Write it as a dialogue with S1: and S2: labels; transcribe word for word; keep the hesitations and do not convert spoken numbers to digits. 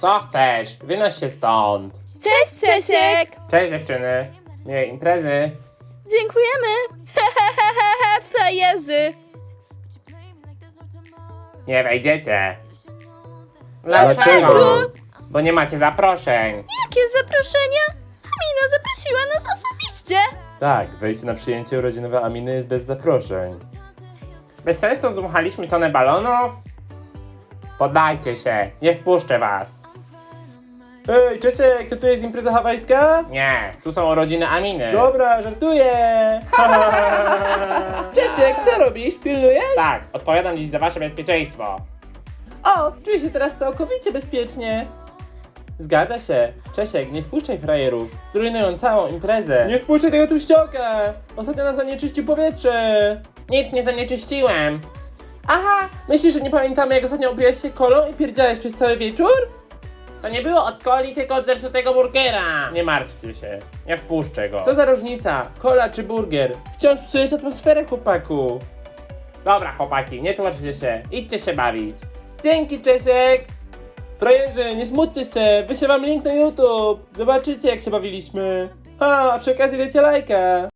S1: Co chcesz? Wynoś się stąd.
S2: Cześć, Czesiek!
S1: Cześć dziewczyny. Miłej imprezy.
S2: Dziękujemy! Hehehehe, frajerzy!
S1: Nie wejdziecie.
S2: Dlaczego?
S1: Bo nie macie zaproszeń.
S2: Jakie zaproszenia? Amina zaprosiła nas osobiście!
S3: Tak, wejście na przyjęcie urodzinowe Aminy jest bez zaproszeń.
S1: Bez sensu dmuchaliśmy tonę balonów? Podajcie się, nie wpuszczę was.
S3: Ej, Czesiek, to tu jest impreza hawajska?
S1: Nie, tu są urodziny Aminy.
S3: Dobra, żartuję! Czesiek, co robisz? Pilnujesz?
S1: Tak, odpowiadam dziś za wasze bezpieczeństwo.
S3: O, czuję się teraz całkowicie bezpiecznie. Zgadza się. Czesiek, nie wpuszczaj frajerów. Zrujnują całą imprezę. Nie wpuszczaj tego tuścioka! Ostatnio nam zanieczyścił powietrze.
S1: Nic nie zanieczyściłem.
S3: Aha, myślisz, że nie pamiętamy, jak ostatnio opiłeś się kolą i pierdziałeś przez cały wieczór?
S1: To nie było od coli, tylko od zepsutego burgera. Nie martwcie się, nie wpuszczę go.
S3: Co za różnica? Kola czy burger? Wciąż psujesz atmosferę, chłopaku.
S1: Dobra chłopaki, nie tłumaczcie się, idźcie się bawić.
S3: Dzięki, Czesiek! Frajerzy, nie smućcie się, wyślę wam link na YouTube. Zobaczycie, jak się bawiliśmy. A, a przy okazji dajcie lajka.